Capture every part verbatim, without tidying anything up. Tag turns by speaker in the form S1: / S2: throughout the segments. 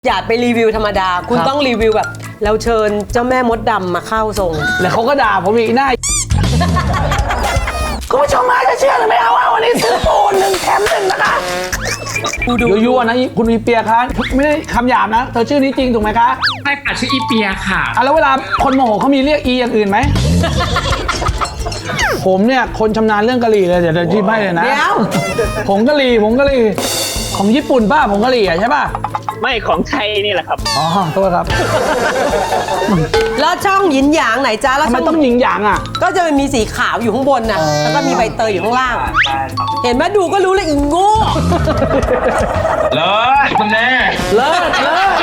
S1: อย่าไปรีวิวธรรมดาคุณต้องรีวิวแบบเราเชิญเจ้าแม่มดดำมาเข้าทรง
S2: แล้วเขาก็ด่าผมอีกหน้าคุณผู้ชมมาจะเชื่อหรือไม่เอาว่าวันนี้ซื้อปูหนึ่งแถมหนึ่งนะคะดูยั่วๆนะคุณอีเปียคะไม่ได้คำหยาบนะเธอชื่อนี้จริงถูกไหมคะ
S3: ใช่ค่ะชื่ออีเปียค่ะ
S2: อ่ะแล้วเวลาคนโมโหเขามีเรียกอีอย่างอื่นไหม ผมเนี่ยคนชำนาญเรื่องกะหรี่เลยเดี๋ยวจะชี้ให้เลยนะผงกะหรี่ผงกะหรี่ของญี่ปุ่นป้าผงกะหรี่ใช่ป่ะ
S4: ไม่ของไทยนี่แหละครับ
S2: อ๋อโทษครับ
S1: แล้วช่องหยินหยางไหนจ้าแล้ว
S2: ทำไมต้องหยินหยางอ่ะ
S1: ก็จะมีสีขาวอยู่ข้างบนน่ะแล้วก็มีใบเตยอยู่ข้างล่างเห็นไหมดูก็รู้เลยอิงโง่
S3: เลิศคุณแม่
S2: เลิศเลิศ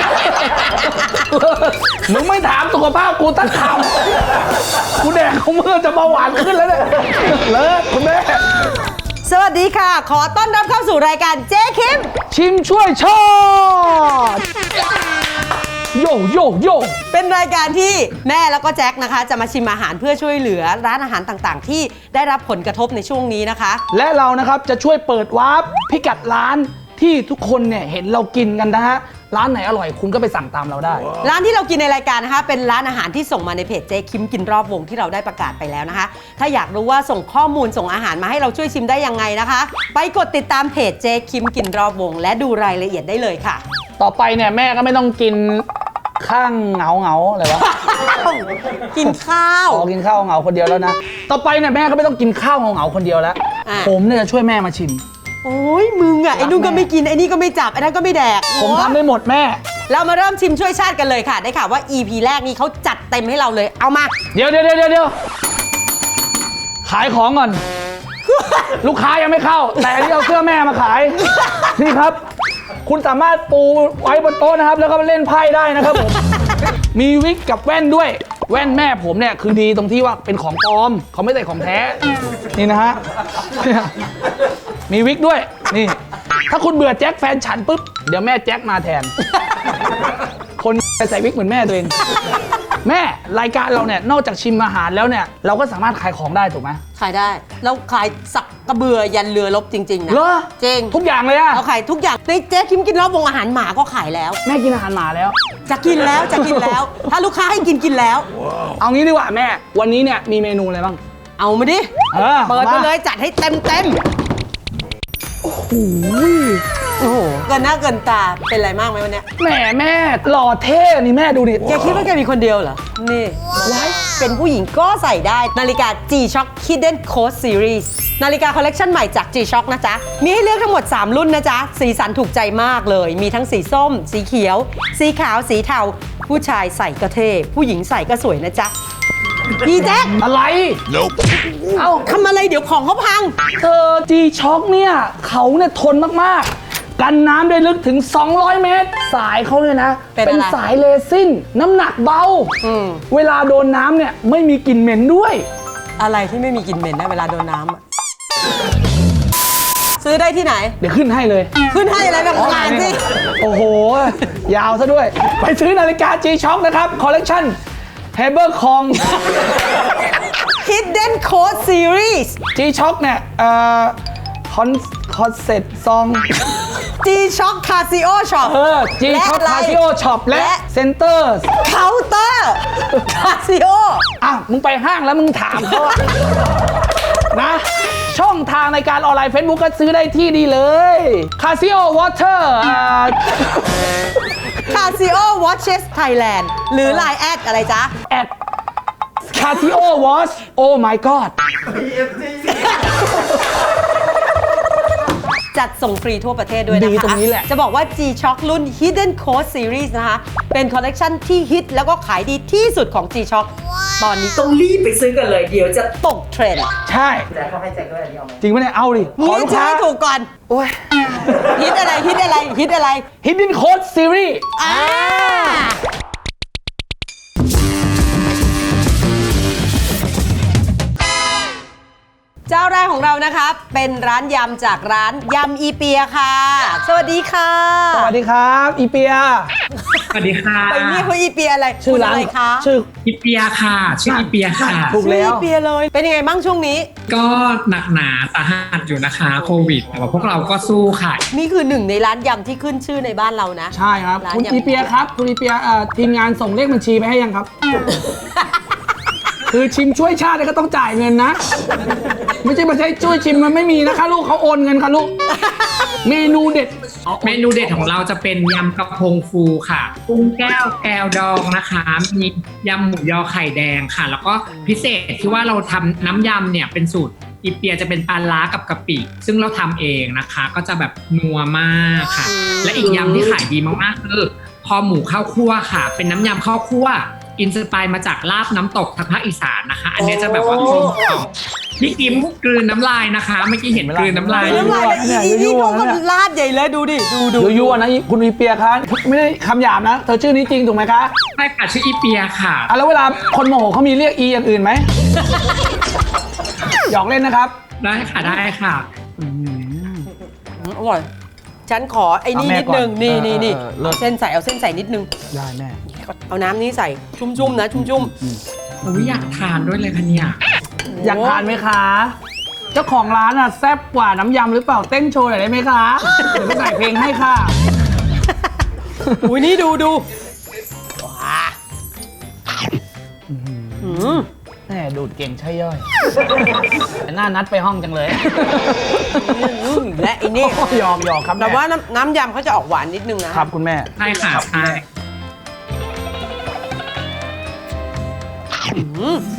S2: มึงไม่ถามสุขภาพกูตั้งคำกูแดกของมึงจะเบาหวานขึ้นแล้วเนี่ยเลิศคุณแม่
S1: สวัสดีค่ะขอต้อนรับเข้าสู่รายการเจ๊คิม
S2: ชิมช่วยชอดโยโยโย
S1: เป็นรายการที่แม่แล้วก็แจ็คนะคะจะมาชิมอาหารเพื่อช่วยเหลือร้านอาหารต่างๆที่ได้รับผลกระทบในช่วงนี้นะคะ
S2: และเรานะครับจะช่วยเปิดวาร์ปพิกัดร้านที่ทุกคนเนี่ยเห็นเรากินกันนะฮะร้านไหนอร่อยคุณก็ไปสั่งตามเราได้ wow.
S1: ร้านที่เรากินในรายการนะคะเป็นร้านอาหารที่ส่งมาในเพจเจ๊คิมกินรอบวงที่เราได้ประกาศไปแล้วนะคะถ้าอยากรู้ว่าส่งข้อมูลส่งอาหารมาให้เราช่วยชิมได้ยังไงนะคะไปกดติดตามเพจเจ๊คิมกินรอบวงและดูรายละเอียดได้เลยค่ะ
S2: ต่อไปเนี่ยแม่ก็ไม่ต้องกินข้างเหงาเหงาอะไรวะ
S1: กินข้าว
S2: อ๋อกินข้าวเหงาคนเดียวแล้วนะต่อไปเนี่ยแม่ก็ไม่ต้องกินข้าวเหงาเหงาคนเดียวแล้วผมเนี่ยจะช่วยแม่มาชิม
S1: โอ้ยมึงอ่ะไอ้นู่นก็ไม่กินไอ้นี่ก็ไม่จับไอ้นั่นก็ไม่แดก
S2: ผมทำได้หมดแม่
S1: เรามาเริ่มชิมช่วยชาติกันเลยค่ะได้ข่าวว่า อี พี แรกนี้เขาจัดเต็มให้เราเลยเอามา
S2: เดี๋ยวเดี๋ยวเดี๋ยวเดี๋ยวขายของก่อน ลูกค้ายังไม่เข้าแต่อันนี้เอาเสื้อแม่มาขายนี่ครับคุณสามารถปูไว้บนโต๊ะนะครับแล้วก็เล่นไพ่ได้นะครับผมมีวิกกับแว่นด้วยแว่นแม่ผมเนี่ยคือดีตรงที่ว่าเป็นของปลอมเขาไม่ใส่ของแท้นี่นะฮะมีวิกด้วยนี่ถ้าคุณเบื่อแจ็คแฟนฉันปุ๊บเดี๋ยวแม่แจ็คมาแทนคนไปใส่วิกเหมือนแม่ตัวเองแม่รายการเราเนี่ยนอกจากชิมอาหารแล้วเนี่ยเราก็สามารถขายของได้ถูกไหม
S1: ขายได้เราขายสักกระเบือยันเรือรบจริงๆนะ
S2: เหรอ
S1: จริง
S2: ทุกอย่างเลยอะ
S1: เราขายทุกอย่างในเจ๊คิมกินรอบวงอาหารหมาก็ขายแล้ว
S2: แม่กินอาหารหมาแล้ว
S1: จะกินแล้วจะกินแล้วถ้าลูกค้าให้กินกินแล้ว
S2: เอางี้ดีกว่าแม่วันนี้เนี่ยมีเมนูอะไรบ้าง
S1: เอามาดิเปิดมาเลยจัดให้เต็มเต็ม
S2: โอ้โห
S1: โอ้โหเกินหน้าเกินตาเป็นอะไรมากไหมวันนี้
S2: แหมแม่หล่อเท่นี่แม่ดูดิ
S1: แกคิดว่าแกมีคนเดียวเหรอนี่ว้ายเป็นผู้หญิงก็ใส่ได้นาฬิกา G-Shock Hidden Code Series นาฬิกาคอลเลกชันใหม่จาก G-Shock นะจ๊ะมีให้เลือกทั้งหมดสามรุ่นนะจ๊ะสีสันถูกใจมากเลยมีทั้งสีส้มสีเขียวสีขาวสีเทาผู้ชายใส่ก็เท่ผู้หญิงใส่ก็สวยนะจ๊ะพี่แจ๊ค
S2: อะไร
S1: nope. เอ้าทำอะไรเดี๋ยวของเขาพัง
S2: เธอ G-Shock เนี่ยเขาเนี่ยทนมากๆกันน้ำได้ลึกถึงสองร้อยเมตรสายเขาเลยนะเป็นสายเรซินน้ำหนักเบาเวลาโดนน้ำเนี่ยไม่มีกลิ่นเหม็นด้วย
S1: อะไรที่ไม่มีกลิ่นเหม็นนะเวลาโดนน้ำซื้อได้ที่ไหน
S2: เดี๋ยวขึ้นให้เลย
S1: ขึ้นให้อะไรแบบงานสิ
S2: โอ้โหยาวซะด้วยไปซื้อนาฬิกา G-Shock นะครับคอลเลกชันเฮเบอร์คอง
S1: Hidden Code Series
S2: G-Shock เนี่ยเอ่อคอนคอนเซ็ปต์ซอง
S1: G-Shock Casio Shop
S2: เออ G-Shock Casio Shop และ Center
S1: Counter Casio
S2: อ่ะมึงไปห้างแล้วมึงถามเขานะช่องทางในการออนไลน์ Facebook ก็ซื้อได้ที่ดีเลย Casio Water
S1: Casio Watches Thailand หรือ ไลน์ แอดอะไรจ๊ะ
S2: แอด Casio Watch Oh my god
S1: จัดส่งฟรีทั่วประเทศด้วยนะคะ
S2: ดีตรงนี้แหละ
S1: จะบอกว่า G-Shock รุ่น Hidden Code Series นะคะเป็นคอลเลกชันที่ฮิตแล้วก็ขายดีที่สุดของ G-Shock ตอนนี้ต้องรีบไปซื้อกันเลยเดี๋ยวจะตกเทรนด์
S2: ใช่แจ็คเขาให้แจ็คด้วยอันนี้เอาไหมจริงไหมเนี่ยเอาดิ
S1: ขอลูกค้าถูกก่อน
S2: โอ้ย
S1: ฮิตอะไรฮิตอะไรฮิตอะไร
S2: Hidden Code Series
S1: อ่าเจ้าแรกของเรานะคะเป็นร้านยำจากร้านยำอีเปียค่ะสวัสดีค่ะ
S2: สวัสดีครับอีเปีย
S3: สวัสดีค่ะ
S1: ไปนี่เขาอีเปียอะไร
S2: ชื่อร้าน
S1: อะไรคะ
S3: ชื่ออีเปียค่ะชื่ออีเปียค่ะ
S2: ถูกแล้ว
S1: อีเปียเลยเป็นยังไงบ้างช่วงนี้
S3: ก็หนักหนาสาหัสอยู่นะคะโควิดแต่ว่าพวกเราก็สู้ค่ะ
S1: นี่คือหนึ่งในร้านยำที่ขึ้นชื่อในบ้านเรานะ
S2: ใช่ครับ
S1: ร้าน
S2: คุณ
S1: ยำ
S2: อีเปียครับ คุณอีเปียเอ่อทีมงานส่งเลขบัญชีไปให้ยังครับ คือชิมช่วยชาติก็ต้องจ่ายเงินนะ ไม่ใช่มาใช้ช่วยชิมมันไม่มีนะคะลูกเขาโอนเงินค่ะลูก เมนูเด็ด
S3: เมนูเด็ดของเราจะเป็นยำกระพงฟูค่ะกุ้งแก้วแก้วดองนะคะมียำหมูยอไข่แดงค่ะ แล้วก็พิเศษที่ว่าเราทำน้ำยำเนี่ยเป็นสูตรอีเปียจะเป็นปลาร้ากับกะปิ ซึ่งเราทำเองนะคะ ก็จะแบบนัวมากค่ะ และอีกยำที่ขายดีมากๆคือคอหมูข้าวคั่วค่ะ เป็นน้ำยำข้าวคั่วอินสปายมาจากลาบน้ำตกทางภาคอีสานนะคะ อันนี้จะแบบว่ากลมกล่อมพี่กิมกลืนน้ำลายนะคะเมื่อกี้เห็นกลืนน้ำลาย
S1: น้ำลายเลยอีอีนี่เขาก็ลาดใหญ่เลยดูดิ ดูดู
S2: ยั่วๆนะคุณอีเปียคะไม่ได้คำหยาบนะ เธอชื่อนี้จริงถูกไหมคะ
S3: ใช่ค่ะชื่ออีเปียค่ะ
S2: อ่ะแล้วเวลาคนโมโหเขามีเรียกอีอย่างอื่นไหม หยอกเล่นนะครับ
S3: ได้ค่ะได้ค่ะ
S1: อร่อย ฉันขอไอ้นี่
S2: เอาแม่
S1: นิดนึง
S2: ก่อน
S1: นี่
S2: เออ
S1: นี่นี่
S2: เออเลิศ
S1: เอาเส้นใส่เอาเส้นใส่นิดนึง
S2: ได้แม่
S1: เอาน้ำนี้ใส่ชุ่มๆนะ ชุ่ม
S3: อุ้ยอยากทานด้วยเลยค่ะเนี่ย
S1: ๆ
S2: อยากทานไหมคะ เจ้าของร้านอ่ะแซ่บกว่าน้ำยำหรือเปล่าเต้นโชว์หน่อยได้ไหมคะ เดี๋ยวไปใส่เพลงให้ค่ะ
S1: อุ้ยนี่ดูดูว้าอืม
S2: แหมดูดเก่งใช่ย่อย แต่หน้านัดไปห้องจังเลย
S1: อืมและไอ้นี่
S2: หยอกหยอกครับ
S1: แต่
S2: ม่
S1: ว่าน้ำน้ำยำเขาจะออกหวานนิดนึงนะครับ
S2: คุณแม่
S3: ใช่ค่ะใช่
S1: อืม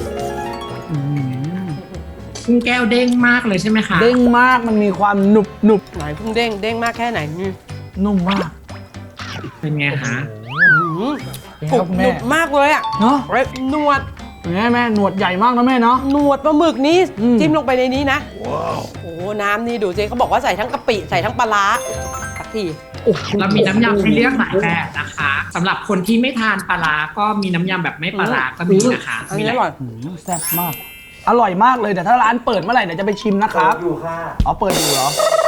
S3: กุ้งแก้วเด้งมากเลยใช่ไหมคะ
S2: เด้งมากมันมีความหนุบหนุบ
S1: ไหนพุ่งเด้งเด้งมากแค่ไหนนี่
S2: นุ่มมาก
S3: เป็นไงคะ
S1: อืม
S2: เป็นไง
S1: ก
S2: ค
S1: รุ
S2: รั
S1: บบ
S2: คุณ
S1: ห
S2: แม่
S1: นุบมากเลยอ่ะ
S2: เนาะ
S1: เร็บนวด
S2: แม่แม่หนวดใหญ่มากนะแม่เนาะ
S1: หนวดปลาหมึกนี้
S2: อืม
S1: จิ้มลงไปในนี้นะโอ้โหน้ำนี่ดูสิเขาบอกว่าใส่ทั้งกะปิใส่ทั้งปลาร้าสักที
S2: โอ้โห
S3: เรามีน้ำยำให้เลือกหลายแบบนะคะสำหรับคนที่ไม่ทานปลาร้าก็มีน้ำยำแบบไม่ปลาร้าก็มีนะคะ
S1: อัน
S3: มี
S1: นี้
S3: ห
S1: อ
S3: ลาย
S1: ร่อย
S2: อืมแซ่บมาก อร่อยมากเลยแต่ถ้าร้านเปิดเมื่อไหร่เดี๋ยวจะไปชิมนะครับอยู่ค่ะอ๋อเปิดอยู่เหรอ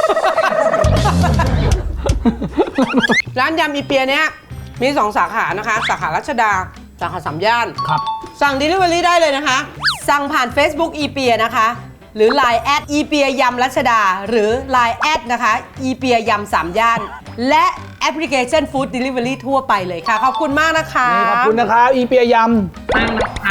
S1: ร้านยำอีเปียเนี้ยมีสองสาขานะคะ สาขารัชดา สาขาสามย่าน
S2: ครับ
S1: สั่ง Delivery ได้เลยนะคะ สั่งผ่าน Facebook อีเปียนะคะ หรือ ไลน์ แอดอีเปียยำรัชดา หรือ ไลน์ แอดนะคะอีเปียยำสามย่าน และแอปพลิเคชัน Food Delivery ทั่วไปเลยค่ะ ขอบคุณมากนะคะ
S2: นี่ขอบคุณนะครับอีเปียย
S3: มากนะคะ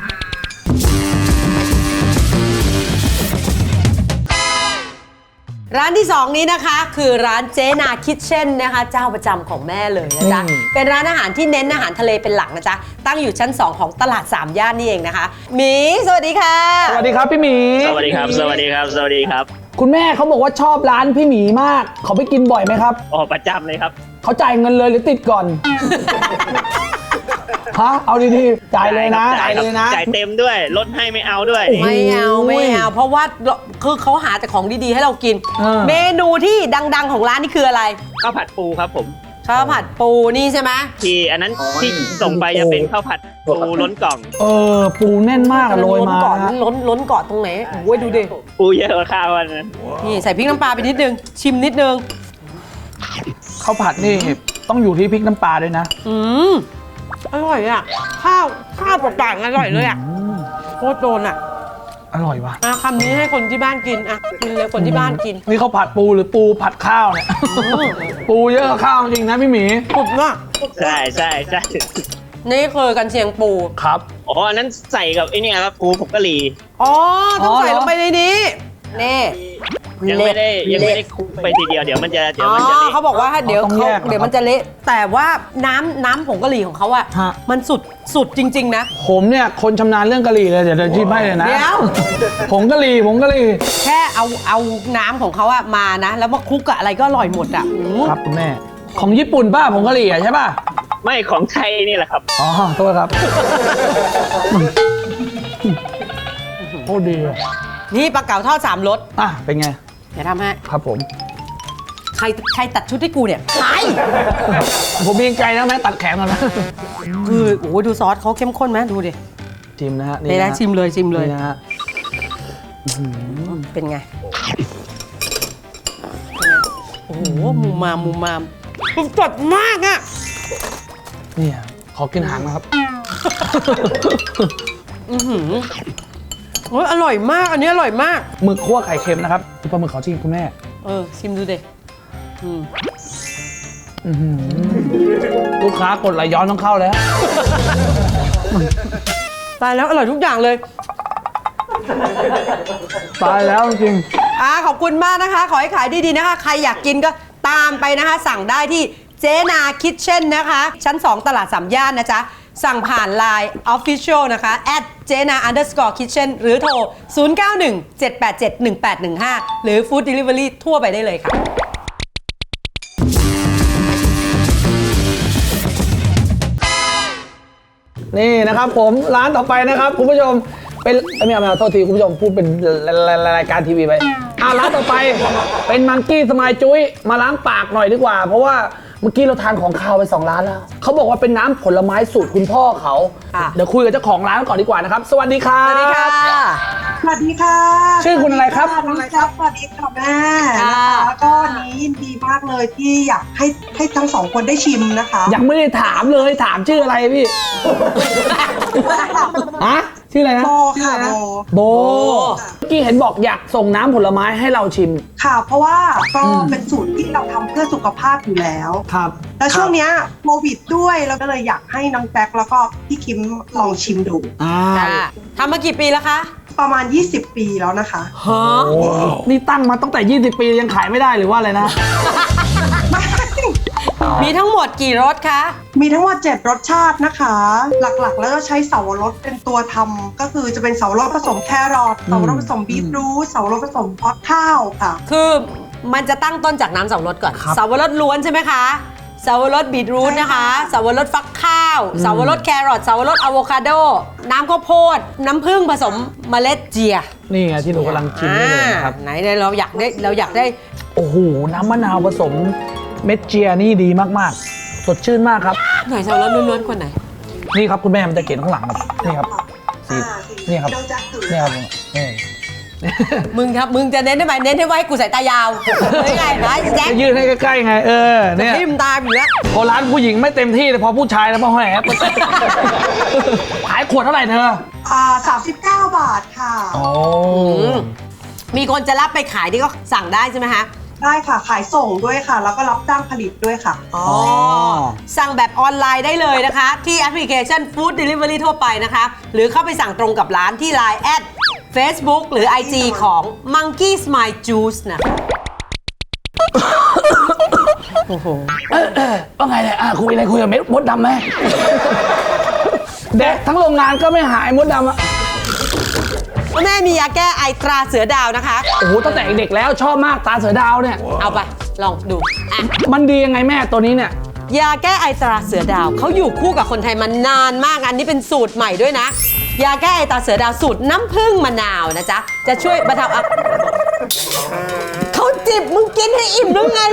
S1: ร้านที่ สอง นี้นะคะ คือร้านเจนาคิทเช่นนะคะ เจ้าประจำของแม่เลยนะจ๊ะ เป็นร้านอาหารที่เน้นอาหารทะเลเป็นหลักนะจ๊ะ ตั้งอยู่ชั้น สอง ของตลาดสามย่านนี่เองนะคะหมีสวัสดีค่ะ
S2: ำสวัสดีครับพี่หมี
S4: สวัสดีครับ สวัสดีครับ สวัสดีครับ
S2: คุณแม่เขาบอกว่าชอบร้านพี่หมีมาก เขาไปกินบ่อยไหมครับ
S4: อ๋อ ประจำเลยครับ
S2: เขาจ่ายเงินเลยหรือติดก่อน ฮะ เอาดีๆ จ่ายเลยนะ
S4: จ่ายครับ
S2: เลยนะ
S4: จ่ายเต็มด้วย ลดให้ไม่เอาด้วย
S1: ไม่เอาไม่เอา เพราะว่าคือเขาหาแต่ของดีๆให้เรากิน
S2: เออ
S1: เมนูที่ดังๆของร้านนี่คืออะไร
S4: ข้าวผัดปูครับผม
S1: ข้าวผัดปูนี่ใช่ไหม
S4: ที่อันนั้นที่ส่งไปจะเป็นข้าวผัดปูล้นกล่อง
S2: เออ ปูแน่นมากอะโรย
S1: ล้น
S2: มา
S1: เกาะ
S2: นะ
S1: ล้นล้นเกาะตรงไหนโอ้ยดูดิ
S4: ปูเยอะกว่าข้าววันนั้น
S1: นี่ใส่พริกน้ำปลาไปนิดนึง ชิมนิดนึง
S2: ข้าวผัดนี่ต้องอยู่ที่พริกน้ำปลาด้วยนะ
S1: อืมอร่อยอ่ะ ข้าวข้าวเปล่าๆอร่อยเลยอ่ะ
S2: อืม
S1: โคตรโดนอ่ะ
S2: อร่อยว่ะ
S1: อ่ะคำนี้ให้คนที่บ้านกินอ่ะกินเลยคนที่บ้านกิน
S2: นี่ข้าวผัดปูหรือปูผัดข้าวเนี่ย ปูเยอะกว่าข้าวจริงนะพี่หมี
S1: สุดมาก
S4: ใช่ใช่ใช่
S1: นี่คือกันเชียงปู
S2: ครับ
S4: อ๋อ อันนั้นใส่กับไอ้นี่ครับปูผงกะหรี่
S1: อ๋อ ต้อง
S2: อ๋อ
S1: ใส่
S2: เหรอ
S1: ลงไปในนี้นี่
S4: ยังไม่ได้ยังไม่ได้คลุกไปทีเดียว เดี๋ยวมันจะเดี๋ยว
S1: อ๋อ
S4: มันจะเละ
S1: เขาบอกว่าเดี๋ยว
S2: ต้อง
S1: เขา
S2: แยกเหรอ
S1: เดี๋ยวมันจะเละ แต่ว่าน้ำน้ำผงกะหรี่ของเขาอะ
S2: ฮะ
S1: มันสุดสุดจริง ๆ นะ
S2: ผมเนี่ยคนชำนาญเรื่องกะหรี่เลยเดี๋ยวจะชิมให้เลยนะ
S1: เดี๋ยว
S2: ผงกะหรี่ผงกะหรี่
S1: แค่เอาเอาน้ำของเขาอะมานะ แล้วมาคลุกกับอะไรก็อร่อยหมดอะอืม
S2: ครับคุณแม่ ของญี่ปุ่นป้าผงกะหรี่อะใช่ป่ะ
S4: ไม่ของไทยนี่แหละครับ
S2: อ๋อโทษครับโคตรดีอะ
S1: นี่ปลาเก๋าทอดสามรส
S2: อ่ะเป็นไง
S1: เดี๋ยวทำให้
S2: ครับผม
S1: ใครใครตัดชุดให้กูเนี่ยใคร
S2: ผมมีไกลแล้วแม่ตัดแขนก่อนนะ
S1: คือโอ้โหดูซอสเขาเข้มข้นไหมดูดิ
S2: ชิมนะฮะ
S1: นี่นะ
S2: ฮ
S1: ชิมเลยชิมเลย
S2: นี่นะฮะ
S1: เป็นไง โอ้โหมูมามมูมามมันสดมากอะ
S2: เนี่ยขอกินหางนะครับ
S1: อือหือโอ้ยอร่อยมาก อันนี้อร่อยมาก
S2: หมึกคั่วไข่เค็มนะครับปลาหมึกขอชิมคุณแม่
S1: เออ ชิมดูเด็อืม
S2: อื้อหือลูกค้ากดไหลย้อนต้องเข้าแล้ว
S1: ตายแล้วอร่อยทุกอย่างเลย
S2: ตายแล้วจริง
S1: อ่าขอบคุณมากนะคะ ขอให้ขายดีๆนะคะ ใครอยากกินก็ตามไปนะคะ สั่งได้ที่เจนาคิทเช่นนะคะ ชั้น สอง ตลาดสามย่านนะจ๊ะ สั่งผ่าน ไลน์ Official นะคะ at jena underscore kitchen หรือโทร ศูนย์ เก้า หนึ่ง เจ็ด แปด เจ็ด หนึ่ง แปด หนึ่ง ห้า หรือ Food Delivery ทั่วไปได้เลยค่ะ
S2: นี่นะครับผมร้านต่อไปนะครับคุณผู้ชมเป็นเอ้ยไม่เอาไม่เอาโทษทีคุณผู้ชมพูดเป็นรายการทีวีไปอ่ะร้านต่อไปเป็นมังกี้สมายจุ้ยมาล้างปากหน่อยดีกว่า เพราะว่าเมื่อกี้เราทานของคาวไปสองร้านแล้วเขาบอกว่าเป็นน้ำผลไม้สูตรคุณพ่อเขา
S1: ค่ะ
S2: เดี๋ยวคุยกับเจ้าของร้านก่อนดีกว่านะครับสวัสดีครับ
S1: สวัสดีค่ะ
S5: สวัสดีค่ะ
S2: ชื่อคุณอะไรครับ
S5: น้องครับสวัสดีค่ะแม่
S1: ค่ะ
S5: นะคะก็วันนี้ยินดีมากเลยที่อยากให้ให้ทั้งสองคนได้ชิมนะคะ
S2: ยังไม่ได้ถามเลยถามชื่ออะไรพี่ฮะชื่ออะไรนะ
S5: โบค่ะโบ
S2: โบเมื่อกี้เห็นบอกอยากส่งน้ำผลไม้ให้เราชิม
S5: ค่ะ เพราะว่าก็เป็นสูตรที่เราทำเพื่อสุขภาพอยู่แล้ว
S2: ครับ
S5: แล้วช่วงเนี้ยโควิดด้วยเราก็เลยอยากให้น้องแจ็คแล้วก็พี่คิมลองชิมดู
S2: อ่า
S1: ค่ะทำมากี่ปีแล้วคะ
S5: ประมาณ ยี่สิบ ปีแล้วนะคะ
S1: ฮะ
S2: โอ้นี่ตั้งมาตั้งแต่ ยี่สิบ ปียังขายไม่ได้หรือว่าอะไรนะ
S1: มีทั้งหมดกี่รสคะ
S5: มีทั้งหมดเจ็ดรสชาตินะคะ หลักๆ แล้วก็ใช้เสาวรสเป็นตัวทำก็คือจะเป็นเสาวรสผสมแครอทเสาวรสผสมบีทรูทเสาวรสผสมพอดข้าวค่ะ
S1: คือมันจะตั้งต้นจากน้ำสับปะรดก่อน
S2: ครับ
S1: สับปะรดล้วนใช่ไหมคะสับปะรดบีทรูทนะคะสับปะรดฟักข้าวสับปะรดแครอทสับปะรดอะโวคาโด น้ำข้าวโพด น้ำผึ้งผสมเมล็ดเจีย
S2: นี่ไงที่หนูกำลังชิมนี่เลยนะครับ
S1: อ่าไหนเลยเราอยากได้เราอยากได้
S2: โอ้โห น้ำมะนาวผสมเม็ดเจียนี่ดีมากๆ สดชื่นมากครับ
S1: หน่อยสับปะรดล้วนๆคนไหน
S2: นี่ครับคุณแม่มันจะเขียนข้างหลังครับ นี่ครับสี
S5: อ่าสี
S2: นี่ครับ
S5: น้องแจ็คถือ
S2: นี่ครับนี่
S1: มึงครับมึงจะเน้นได้ไหมเน้นให้ไว้กูสายตายาวไม่ไงนะแจ็ค
S2: จะยืนให้ใกล้ๆไง เออ เนี่ย
S1: ทิมตามอยู่แล้ว
S2: พอร้านผู้หญิงไม่เต็มที่เลยพอผู้ชายแล้วพอแหมขายขวดเท่าไหร่เธอ
S5: อ่าสามสิบเก้าบาทค่ะ
S2: โอ้
S1: มีคนจะรับไปขายที่ก็สั่งได้ใช่ไหมคะ
S5: ได้ค่ะ ขายส่งด้วยค่ะ แล้วก็รับจ้างผลิตด้วยค่ะ
S1: อ๋อ สั่งแบบออนไลน์ได้เลยนะคะ ที่แอปพลิเคชัน Food Delivery ทั่วไปนะคะ หรือเข้าไปสั่งตรงกับร้านที่ ไลน์ แอด Facebook หรือ ไอ จี ของ Monkey Smile Juice นะคะ โอ้โห
S2: เออเออว่าไงเนี่ยอ่ะคุยอะไรคุยกับเม็ดมดดำไหมแดกทั้งโรงงานก็ไม่หายมดดำอ่ะ
S1: แม่มียาแก้ไอตราเสือดาวนะคะ
S2: โอ้โหตั้งแต่เด็กแล้วชอบมากตาเสือดาวเนี่ย
S1: เอาไป ลองดูอ่ะ
S2: มันดียังไงแม่ตัวนี้เนี่ย
S1: ยาแก้ไอตราเสือดาวเขาอยู่คู่กับคนไทยมานานมากอันนี้เป็นสูตรใหม่ด้วยนะ ยาแก้ไอตราเสือดาวสูตรน้ำผึ้งมะนาวนะจ๊ะ จะช่วยบรรเทาอาเขาจิบมึงกินให้อิ่มหรือไง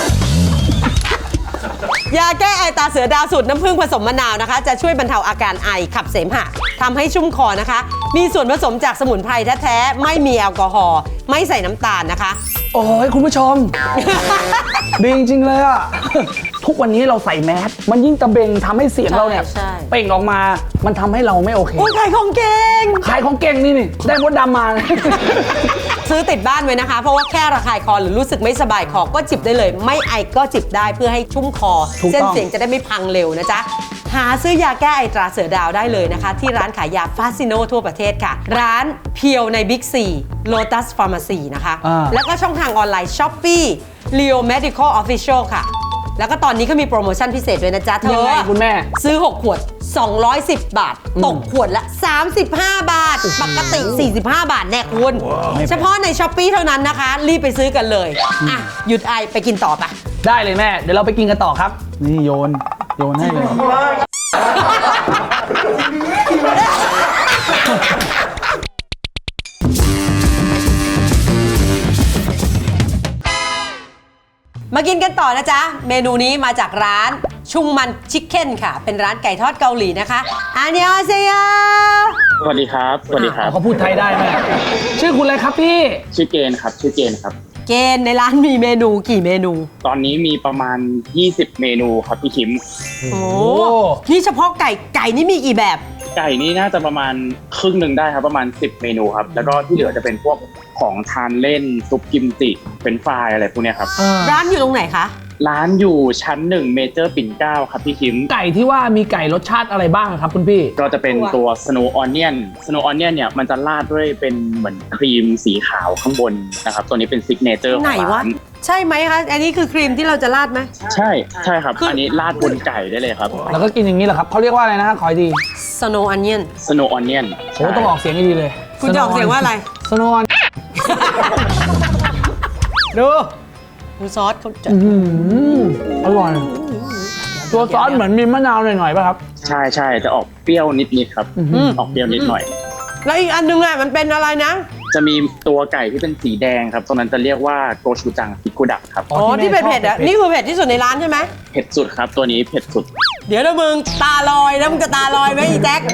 S1: ยาแก้ไอตาเสือดาวสูตรน้ำผึ้งผสมมะนาวนะคะ จะช่วยบรรเทาอาการไอขับเสมหะทำให้ชุ่มคอนะคะ มีส่วนผสมจากสมุนไพรแท้ๆไม่มีแอลกอฮอล์ไม่ใส่น้ำตาลนะคะ
S2: โอ้ยคุณผู้ชม ดีจริงๆเลยอ่ะ ทุกวันนี้เราใส่แมสมันยิ่งตะเบงทำให้เสียงเราเนี่ย
S1: ใช่
S2: เปล่งออกมามันทำให้เราไม่โอเค
S1: โอ้ยขายของเก่ง
S2: ขายของเก่งนี่นี่ได้มดดำมา
S1: ซื้อติดบ้านไว้นะคะ เพราะว่าแค่ระคายคอหรือรู้สึกไม่สบายคอก็จิบได้เลย ไม่ไอก็จิบได้เพื่อให้ชุ่มคอ
S2: ถูกต้อง
S1: เส้นเสียงจะได้ไม่พังเร็วนะจ๊ะ หาซื้อยาแก้ไอตราเสือดาวได้เลยนะคะ ที่ร้านขายยาฟาซิโนทั่วประเทศค่ะ ร้านเพียวในบิ๊กซีโลตัสฟาร์มาซีนะคะ
S2: อ่า
S1: แล้วก็ช่องทางออนไลน์ Shopee Leo Medical Official ค่ะ แล้วก็ตอนนี้ก็มีโปรโมชั่นพิเศษด้วยนะจ๊ะเธ
S2: ยัง
S1: อ
S2: ไงคุณแม่
S1: ซื้อ หก ขวด สองร้อยสิบ บาท ตกขวดละ สามสิบห้า บาท ปกติ สี่สิบห้า บาทแน่คุณ เฉพาะใน Shopee เท่านั้นนะคะ รีบไปซื้อกันเลย อ่ะ หยุดไอไปกินต่อปะ
S2: ได้เลยแม่ เดี๋ยวเราไปกินกันต่อครับ นี่โยน โยนให้เลย
S1: มากินกันต่อนะจ๊ะ เมนูนี้มาจากร้านชุงมันชิคเก้นค่ะ เป็นร้านไก่ทอดเกาหลีนะคะอันยองเซโย
S4: สวัสดีครับ สวัสดีครับ
S2: เขาพูดไทยได้ไหมชื่อคุณอะไรครับพี่
S4: ชื่อเกณฑ์ครับ ชื่อเกณฑ์ครับ
S1: เกณฑ์ในร้านมีเมนูกี่เมนู
S4: ตอนนี้มีประมาณ ยี่สิบ เมนูครับพี่คิม
S1: โอ้นี่เฉพาะไก่ไก่นี่มีกี่แบบ
S6: ไก่นี่น่าจะประมาณครึ่งหนึ่งได้ครับประมาณสิบเมนูครับแล้วก็ที่เหลือจะเป็นพวกของทานเล่นซุปกิมจิเป็นฟรายอะไรพวกเนี้ยครับ
S1: ร้านอยู่ตรงไหนคะ
S6: ร้านอยู่ชั้นหนึ่งเมเจอร์ปิ่นเกล้าครับพี่คิม
S2: ไก่ที่ว่ามีไก่รสชาติอะไรบ้างครับคุณพี่
S6: ก็จะเป็นตัว Snow Onion Snow Onion เนี่ยมันจะราดด้วยเป็นเหมือนครีมสีขาวข้างบนนะครับตัวนี้เป็นซิกเนเจอร์ของ
S1: ไหนวะ
S6: ร้าน
S1: ใช่ไหมคะอันนี้คือครีมที่เราจะราดไหม
S6: ใช่ใช่ครับ
S1: คืออั
S6: อันนี้ราดบนไก่ได้เลยครับ
S2: แล้วก็กินอย่างนี้เหรอครับเขาเรียกว่าอะไรนะฮะขออีกที
S1: Snow Onion
S6: Snow Onion
S2: โอ้ต้องออกเสียงให้ดีเลย
S1: คุณจะออกเสียงว่าอะไร
S2: สโนว์
S1: ดูดูซอสเขาจะ
S2: อร่อย ตัวซอสเหมือนมีมะนาวหน่อยๆป่ะครับ
S6: ใช่ใช่จะออกเปรี้ยวนิดๆครับ
S2: อื้อหือ
S6: ออกเปรี้ยวนิดหน่อย
S1: แล้วอีกอันนึงอ่ะมันเป็นอะไรนะ
S6: จะมีตัวไก่ที่เป็นสีแดงครับตรงนั้นจะเรียกว่าโกชูจังซิกุดักครับ
S1: อ๋อที่เผ็ดๆอ่ะนี่คือเผ็ดที่สุดในร้านใช่ไหม
S6: เผ็ดสุดครับตัวนี้เผ็ดสุด
S1: เดี๋ยวนะมึงตาลอยแล้วมึงจะตาลอยไหมอีแจ็ค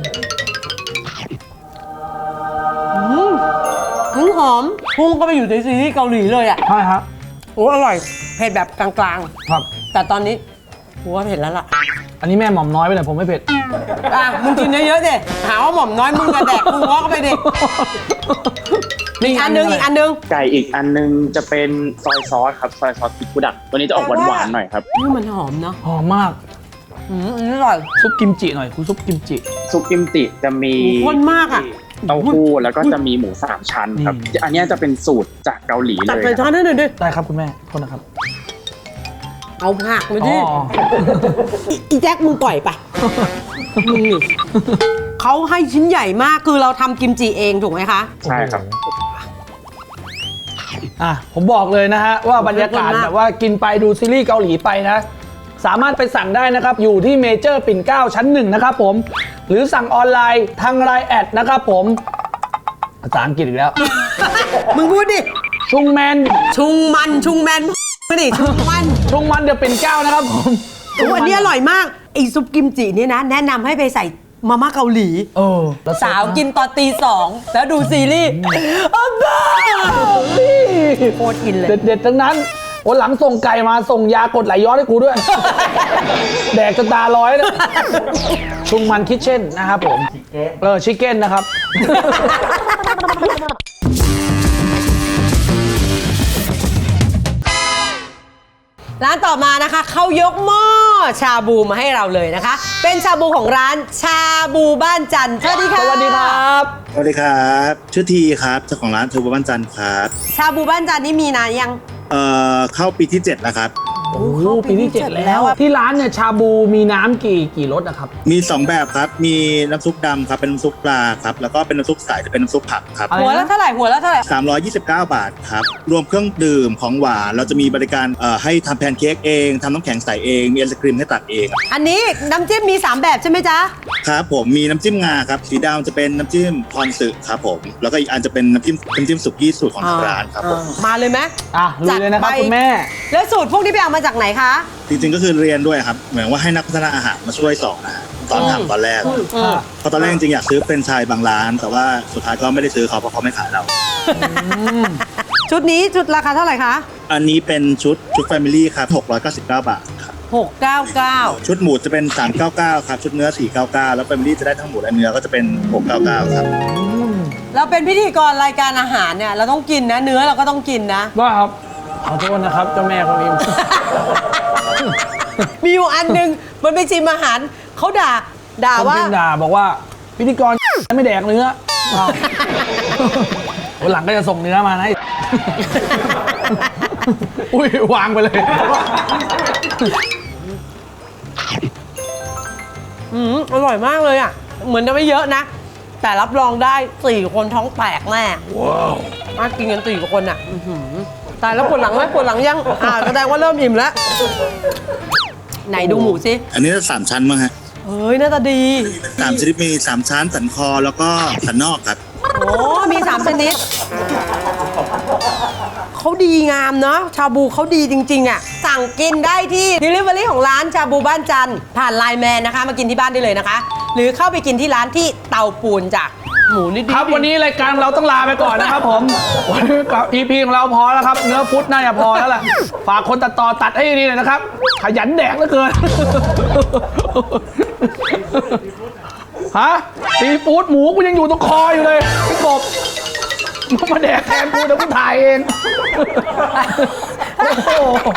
S1: อืมมันหอมพุ่งก็ไปอยู่ในซีรีส์เกาหลีเลยอ่ะ
S2: ใช่ครับ
S1: โอ้อร่อยเผ็ดแบบกลาง
S2: ครับ
S1: ๆแต่ตอนนี้กูว่าเผ็ดแล้วล่ะ
S2: อันนี้แม่หม่อมน้อยไปเลยผมไม่เผ็ด
S1: อ่ะมึงกินเยอะๆดิหาว่าหม่อมน้อยมึงกระแดกกูง้อเข้าไปดิอีกอันนึงอีกอันนึง
S6: ไก่อีกอันนึงจะเป็นซอยซอสครับซอยซอสซิกุดักตัวนี้จะออกหวานๆหน่อยครับ
S1: นี่มันหอมเนาะ
S2: หอมมาก
S1: อืมอันนี้อร่อย
S2: ซุปกิมจิหน่อยคุณซุปกิมจิ
S6: ซุปกิมจิจะมี
S1: หมูข้นมากอะ
S6: เต้าหู้แล้วก็จะมีหมูสามชั้นครับ
S2: นี่
S6: อันเนี้ยจะเป็นสูตรจากเกาหลี
S1: ตัด
S6: เลย
S1: ไปช้อน
S6: นะ
S1: ให้หน่อยดิ
S2: ได้ครับคุณแม่โทษนะครับ
S1: เอาผักมา
S2: อ๋
S1: ดิ
S2: อ
S1: อีอีแจ็คมึงปล่อยไปมึงนี่เขาให้ชิ้นใหญ่มากคือเราทำกิมจิเองถูกไหมคะ
S6: ใช่ครับ
S2: อ่ะผมบอกเลยนะฮะว่าบรรยากาศ
S1: ขอบคุณมาก
S2: แบบว่ากินไปดูซีรีส์เกาหลีไปนะ สามารถไปสั่งได้นะครับ อยู่ที่เมเจอร์ปิ่นเกล้าชั้นหนึ่งนะครับผม หรือสั่งออนไลน์ทางไลน์แอดนะครับผมภาษาอังกฤษอีกแล้ว
S1: มึงพูดดิ
S2: ชุงแมน
S1: ชุงมันชุงแมนไม่ดิชุงมัน
S2: ชุงมันเดี๋ยวปิ่นเกล้านะครับผม
S1: โอ้อันนี้อร่อยมากไอซุปกิมจิเนี่ยนะ แนะนำให้ไปใส่มาม่าเกาหลี
S2: เออแล้ว
S1: สาวกินตอนตีสองแล้วดูซีรีส์อ้าวบ้าโคตรอินเลย
S2: เด็ดๆทั้งนั้นโอ้หลังส่งไก่มาส่งยากดไหลย้อนให้กูด้วย แดกจนตาลอยนะชุงมันคิทเช่นนะครับผมเออชิคเก้นนะครับ
S1: ร้านต่อมานะคะเขายกหม้อชาบูมาให้เราเลยนะคะ เป็นชาบูของร้านชาบูบ้านจันทร์สวัสดีค่ะ
S2: สวัสดีครับ
S7: สวัสดีครับชื่อทีครับเจ้าของร้านเทอร์โบบ้านจันทร์ครับ
S1: ชาบูบ้านจันทร์นี่มีนานยัง
S7: เอ่อเข้าปีที่เจ็ดแล้วครับ
S2: โอ้โหปีที่เจ็ดแล้วอะที่ร้านเนี่ยชาบูมีน้ำกี่กี่รสนะครับ
S7: มีสองแบบครับมีน้ำซุปดำครับเป็นน้ำซุปปลาครับแล้วก็เป็นน้ำซุปใสจะเป็นน้ำซุปผักครับ
S2: อะไร
S1: หัวละเท่าไหร่หัวละเท่าไหร่
S7: สามร้อยยี่สิบเก้าบาทครับรวมเครื่องดื่มของหวานเราจะมีบริการเอ่อให้ทำแพนเค้กเองทำน้ำแข็งใสเองมีไอศครีมให้ตักเอง
S1: อันนี้น้ำจิ้มมีสามแบบใช่ไหมจ๊ะ
S7: ครับผมมีน้ำจิ้มงาครับสีดำจะเป็นน้ำจิ้มพรสึครับผมแล้วก็อีกอันจะเป็นน้ำจิ้มน้ำจิ้มสุกี้สูตรของทางร้านครับผม
S1: อ่ามาเลยไหม
S2: อ่ะลุยเลยนะครับ
S1: จัดไป
S2: คุณแม่
S1: แล้วสูตรพวกนี้ไปเอามาจากไหนคะ
S7: จริงๆก็คือเรียนด้วยครับเหมือนว่าให้นักพัฒนาอาหารมาช่วยสอนนะฮะตอนทำตอนแรก
S1: อืม
S7: เพราะตอนแรกจริงๆอยากซื้อเป็นไชายบางร้าน แต่ว่าสุดท้ายก็ไม่ได้ซื้อเขาเพราะเขาไม่ขายเรา
S1: ชุดนี้ชุดราคาเท่าไหร่คะ
S7: อันนี้เป็นชุดชุดแฟมิลี่ครับหกร้อยเก้าสิบเก้าบาทครับ
S1: หกเก้าเก้า
S7: ชุดหมูจะเป็นสามร้อยเก้าสิบเก้าครับชุดเนื้อสี่ร้อยเก้าสิบเก้าแล้วแฟมิลี่จะได้ทั้งหมูและเนื้อก็จะเป็นหกร้อยเก้าสิบเก้าครับ
S1: เราเป็นพิธีกรรายการอาหารเนี่ยเราต้องกินนะ เนื้อเราก็ต้องกินนะ
S2: ก็ครับ ขอโทษนะครับเจ้าแม่คนนี้
S1: มีอยู่อันหนึงมันไปชิมอาหารเขาด่าด่า
S2: คน
S1: ว่า
S2: พิมพ์ด่าบอกว่าพิธีกร ไม่แดกเนื้ออ้าววันหลังก็จะส่งเนื้อมานะ อุ้ยวางไปเลย
S1: อืมอร่อยมากเลยอ่ะ เหมือนจะไม่เยอะนะ แต่รับรองได้สี่คนท้องแตกแน่ว้าวมากินกันสี่คนอ่ะอื้อหือตายแล้วปวดหลังไหมปวดหลังยังอ่าแสดงว่าเริ่มอิ่มแล้ว ไหนดูหมูสิ
S7: อันนี้สามชั้นมั้งฮะ
S1: เฮ้ยหน่าตาดี
S7: สามชนิดมีสามชั้นสันคอแล้วก็สันนอกครับ
S1: โอ้มีสามชนิดเขาดีงามเนาะชาบูเขาดีจริง ๆ อ่ะ สั่งกินได้ที่ Delivery ของร้านชาบูบ้านจันทร์ผ่านไลน์แมนนะคะ มากินที่บ้านได้เลยนะคะ หรือเข้าไปกินที่ร้านที่เตาปูนจ้ะหมูนี่ดี
S2: ครับวันนี้รายการเราต้องลาไปก่อนนะครับผมวันนี้กับ อี พี ของเราพอแล้วครับ เนื้อฟุตน่าจะพอแล้วล่ะฝากคนตัดต่อตัดให้ดีหน่อยนะครับ ขยันแดกเหลือเกินฮะซีฟู้ดหมูกูยังอยู่ตรงคออยู่เลยพี่กบมึงมาแดกแทนกูเดี๋ยวกูถ่ายเองโอ้โห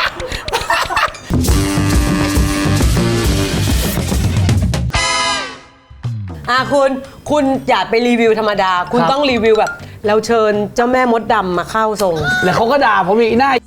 S1: อ่ะคุณคุณอย่าไปรีวิวธรรมดา คุณ
S2: ครับ
S1: ต้องรีวิวแบบเราเชิญเจ้าแม่มดดำมาเข้าทรง
S2: แล้วเขาก็ด่าผมอีกหน้า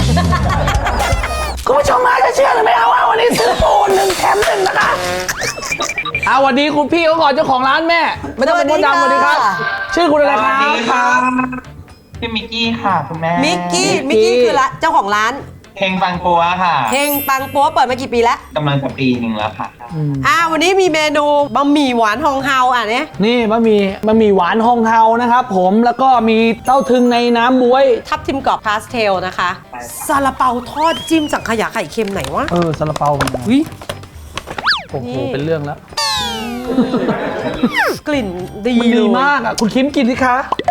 S2: คุณผู้ชมมาจะเชื่อหรือไม่เอาว่าวันนี้ซื้อปูหนึ่งแถมหนึ่งนะคะเอาวันนี้คุณพี่เขาก่อนเจ้าของร้านแม่ไม่ต้องเป็นมดดำสวัสดีครับ ชื่อคุณอะไรครับ
S8: ชื่อมิกกี้ค่ะคุณแม่
S1: มิกกี้มิกกี้คือละเจ้าของร้าน
S8: เพลงฟังปัวค่ะ
S1: เฮงปังปัวเปิดมากี่ปีแล้ว
S8: กำลังจะปีหนึ่งแล้วค่ะ
S1: อ่าวันนี้มีเมนูบะหมี่หวานฮองเฮาอ่ะเนี่ย
S2: นี่บะหมี่บะหมี่หวานฮองเฮานะครับผมแล้วก็มีเต้าถึงในน้ำบ๊วย
S1: ทับทิมกรอบพาสเทลนะคะซาลาเปาทอดจิ้มสังขยาไข่เค็มไหนวะ
S2: เออซาลาเปา
S1: วิ
S2: โอ้โห
S1: นี่
S2: เป็นเรื่องแล้ว
S1: กลิ่นดี
S2: มัน
S1: เล
S2: ดี
S1: ย
S2: มากอ่ะคุณคิมกินสิคะ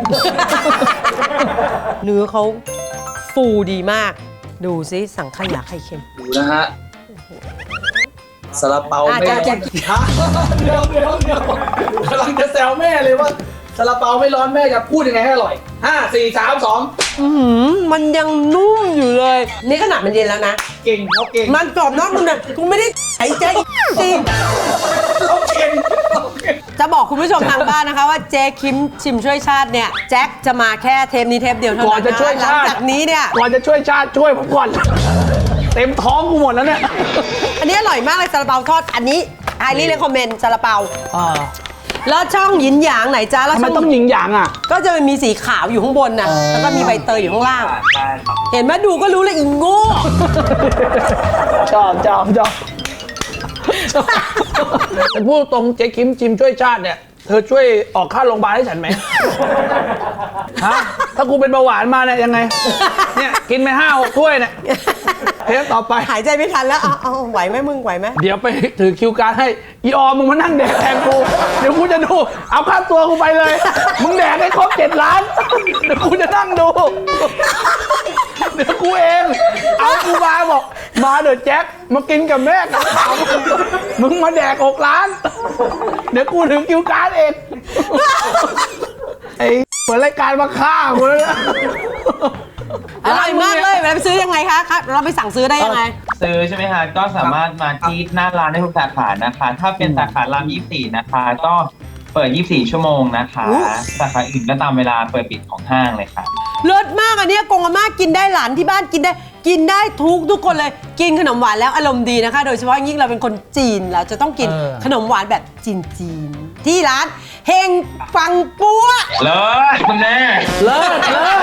S1: เนื้อเขาฟูดีมาก ดูซิสังขยาไข่เค็ม
S9: ดูนะฮะซาลาเปา
S1: อ่ะ
S9: ไม่
S1: แจ๊
S9: ร้
S1: ค
S9: อน
S1: แจ๊ค
S2: ฮะเดี๋ยวเดี๋ยวเดี๋ยวกำลังจะแซวแม่เลยว่าซาลาเปาไม่ร้อนแม่จะพูดยังไงให้อร่อยห้าสี่สามสอง
S1: อื้อหือมันยังนุ่มอยู่เลย นี่ขนาดมันเย็นแล้วนะ
S2: เก่งเขาเก่ง
S1: มันกรอบนอกนุ่มในกูไม่ได้ไอ้แจ๊คจริง
S2: เขาเก่งเขาเก่ง
S1: จะบอกคุณผู้ชมทางบ้านนะคะว่าเจ๊คิมชิมช่วยชาติเนี่ยแจ็คจะมาแค่เทปนี้เทปเดียวเท่า
S2: ก่อ
S1: นั้น น
S2: จะช่วย
S1: หลั
S2: ชาติ
S1: จากนี้เนี่ย
S2: ก่อนจะช่วยชาติช่วยผมก่อน เต็มท้องกูหมดแล้วเนี่ย
S1: อันนี้อร่อยมากเลยซาลาเปาทอดอันนี้ไฮรีเลคคอมเมนต์ซาลาเปา
S2: อ่า
S1: แล้วช่องหยินหยางไหนจ้าแล้ว
S2: ทำไม
S1: ช่อง
S2: ต้องหยิงหยางอ่ะ
S1: ก็จะมีสีขาวอยู่ข้างบนน่ะแล้วก็มีใบเตยอยู่ข้างล่าง
S8: ใช่ครับ
S1: เห็นไหมดูก็รู้เลยอีโง่
S2: ชอบชอบชอบแต่พูดตรงเจ๊คิมจิมช่วยชาติเนี่ย เธอช่วยออกค่าโรงพยาบาลให้ฉันไหม ฮะ ถ้ากูเป็นเบาหวานมาเนี่ยยังไง เนี่ยกินไปห้าหกถ้วยเนี่ยเทปต่อไป
S1: หายใจไม่ทันแล้วเอาเอาไหวไหมมึงไหวไหม
S2: เดี๋ยวไปถือคิวการดให้อีออมมึงมานั่งแดกแทนกู เดี๋ยวกูจะดู เอาค่าตัวกูไปเลย มึงแดกให้ครบเจ็ดล้าน เดี๋ยวกูจะนั่งดู เดี๋ยวกูเอง เอากูมาบอก มาเดี๋ยวแจ็คมากินกับแม่กับเขามึงมาแดกหกล้าน เดี๋ยวกูถึงคิวการดเอง ไอ้เหมือนรายการมาฆ่ากูแล้วเนี่ย
S1: อร่อยมากเลยเวลาไปซื้อยังไงคะครับเราไปสั่งซื้อได้ยังไง
S8: ซื้อใช่ไหมคะก็สามารถมาที่หน้าร้านได้ทุกสาขานะคะ ถ้าเป็นสาขารามยี่สิบสี่นะคะ ก็เปิดยี่สิบสี่ชั่วโมงนะคะ
S1: อู้
S8: สาขาอื่นก็ตามเวลาเปิดปิดของห้างเลยค่ะ
S1: เลิศมากอันเนี้ยกงอาม่ากินได้หลานที่บ้านกินได้ กินได้ทุกทุกคนเลย กินขนมหวานแล้วอารมณ์ดีนะคะ โดยเฉพาะยิ่งเราเป็นคนจีนเราจะต้องกิน
S2: เออ
S1: ขนมหวานแบบจีนจีนๆที่ร้านเฮงปังปัว
S8: เลิศคุณแม่
S2: เลิศเลิศ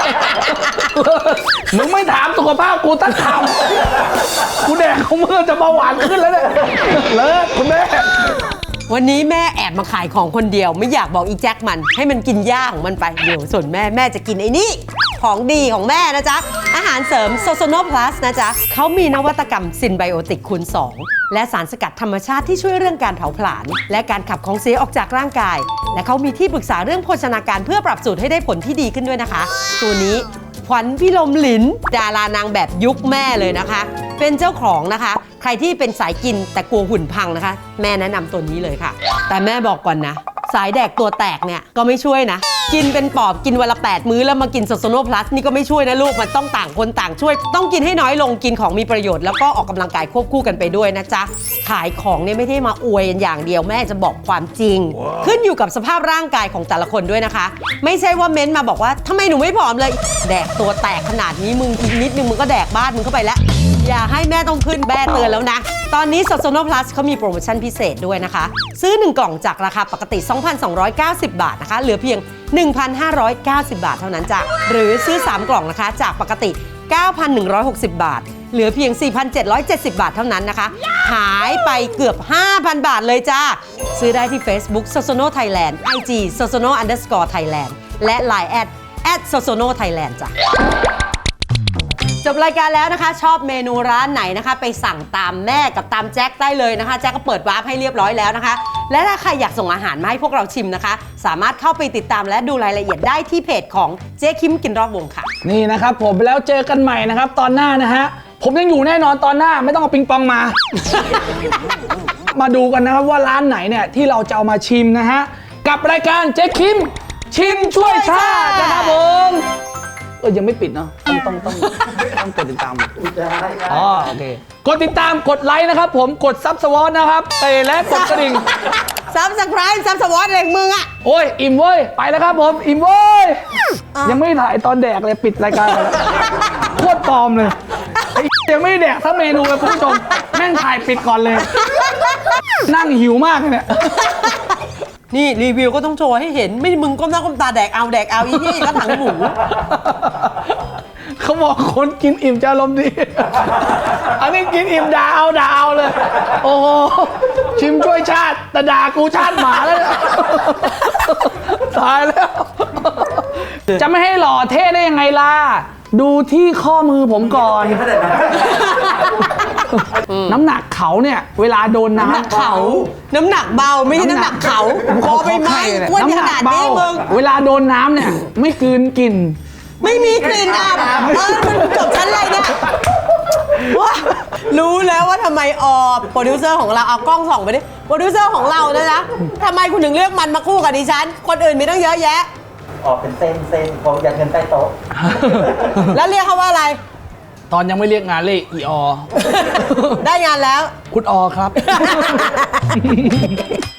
S2: มึงไม่ถามสุขภาพกูตั้งคำกูแดกของมือจะเบาหวานขึ้นแล้วเนี่ยเลิศคุณแม่
S1: วันนี้แม่แอบมาขายของคนเดียว ไม่อยากบอกอีแจ็คมัน ให้มันกินย่าของมันไปเดี๋ยวส่วนแม่แม่จะกินไอ้นี่ของดีของแม่นะจ๊ะ อาหารเสริมโซโซโนพลัสนะจ๊ะเขามีนวัตกรรมซินไบโอติกคูณสองและสารสกัดธรรมชาติที่ช่วยเรื่องการเผาผลาญและการขับของเสียออกจากร่างกาย และเขามีที่ปรึกษาเรื่องโภชนาการเพื่อปรับสูตรให้ได้ผลที่ดีขึ้นด้วยนะคะ ตัวนี้ขวัญพิลมหลินดารานางแบบยุคแม่เลยนะคะ เป็นเจ้าของนะคะ ใครที่เป็นสายกินแต่กลัวหุ่นพังนะคะ แม่แนะนำตัวนี้เลยค่ะ แต่แม่บอกก่อนนะ สายแดกตัวแตกเนี่ยก็ไม่ช่วยนะ กินเป็นปอบกินวันละแปดมื้อแล้วมากินโซโซโนพลัสนี่ก็ไม่ช่วยนะลูกมันต้องต่างคนต่างช่วย ต้องกินให้น้อยลงกินของมีประโยชน์แล้วก็ออกกำลังกายควบคู่กันไปด้วยนะจ๊ะขายของเนี่ยไม่ได้มาอวยกันอย่างเดียวแม่จะบอกความจริง ขึ้นอยู่กับสภาพร่างกายของแต่ละคนด้วยนะคะ ไม่ใช่ว่าเม้นต์มาบอกว่าทำไมหนูไม่ผอมเลย แดกตัวแตกขนาดนี้มึงอีกนิดนึงมึงก็แดกบ้านมึงเข้าไปแล้ว อย่าให้แม่ต้องขึ้นแม่เตือนแล้วนะ ตอนนี้โซโซโนพลัสเขามีโปรโมชั่นพิเศษด้วยนะคะ ซื้อหนึ่งกล่องจากราคาปกติ สองพันสองร้อยเก้าสิบ บาทนะคะ เหลือเพียง หนึ่งพันห้าร้อยเก้าสิบ บาทเท่านั้นจ้ะ หรือซื้อ สาม กล่องนะคะ จากปกติ เก้าพันหนึ่งร้อยหกสิบ บาท เหลือเพียง สี่พันเจ็ดร้อยเจ็ดสิบ บาทเท่านั้นนะคะ หายไปเกือบ ห้าพัน บาทเลยจ้า ซื้อได้ที่ Facebook Sosono Thailand ไอ จี Sosono underscore Thailand และ ไลน์ แอท แอท Sosono Thailand จ้ะ จบรายการแล้วนะคะ ชอบเมนูร้านไหนนะคะ ไปสั่งตามแม่กับตามแจ็คได้เลยนะคะ แจ็คก็เปิดวาร์ปให้เรียบร้อยแล้วนะคะ และถ้าใครอยากส่งอาหารมาให้พวกเราชิมนะคะ สามารถเข้าไปติดตามและดูรายละเอียดได้ที่เพจของเจ๊คิมกินรอบวงค่ะ
S2: นี่นะครับผมแล้วเจอกันใหม่นะครับ ตอนหน้านะฮะ ผมยังอยู่แน่นอนตอนหน้าไม่ต้องเอาปิงปองมามาดูกันนะครับว่าร้านไหนเนี่ยที่เราจะเอามาชิมนะฮะกับรายการเจ๊คิมชิมช่วยชาตินะครับผมเออยังไม่ปิดเนาะต้องต้องต้องต้องกดติดตามอ๋อโอเคกดติดตามกดไลค์นะครับผมกดซับสวอตนะครับเตะและกดกระดิ่ง
S1: ซับสไครป์ซับสวอตอะไรของมึงอะ
S2: โอ้ยอิ่มเว้ยไปแล้วครับผมอิ่มเว้ยยังไม่ถ่ายตอนแดกเลยปิดรายการไปแล้วโคตรปลอมเลยไอ้ยังไม่แดกทั้งเมนูเลยคุณผู้ชมแม่งถ่ายปิดก่อนเลย นั่งหิวมากเลยเนี่ย
S1: นี่รีวิวก็ต้องโชว์ให้เห็นไม่มึงก้มหน้าก้มตาแดกเอาแดกเอาอีนี่ก็ถังหมู
S2: เขาบอกคนกินอิ่มจะอารมณ์ดี อันนี้กินอิ่มด่าเอาด่าเอาเลย โอ้โหชิมช่วยชาติแต่ด่ากูชาติหมาแล้วเนี่ยตายแล้ว จะไม่ให้หล่อเท่ได้ยังไงล่ะ ดูที่ข้อมือผมก่อน น้ำหนักเขาเนี่ย เวลาโดนน้ำ
S1: น้ำหนักเขาน้ำหนักเบาไม่ใช่น้ำหนักเขาคอไปไหมอ้วนขนาดนี้มึง
S2: เวลาโดนน้ำเนี่ย ไม่กลืนกลิ่น
S1: ไม่มีกลิ่นอับเออมันจบชั้นอะไรเนี่ยว้ารู้แล้วว่าทำไมออโปรดิวเซอร์ของเราเอากล้องส่องไปดิโปรดิวเซอร์ของเราเนี่ยนะทำไมคุณถึงเลือกมันมาคู่กับดิฉันคนอื่นมีตั้งเยอะแยะ
S9: ออกเป็นเส้นเส้นผมอยากเงินใต้โต๊ะ
S1: แล้วเรียกเขาว่าอะไร
S2: ตอนยังไม่เรียกงานเรียกอีออ
S1: ได้งานแล้ว
S2: คุณออครับ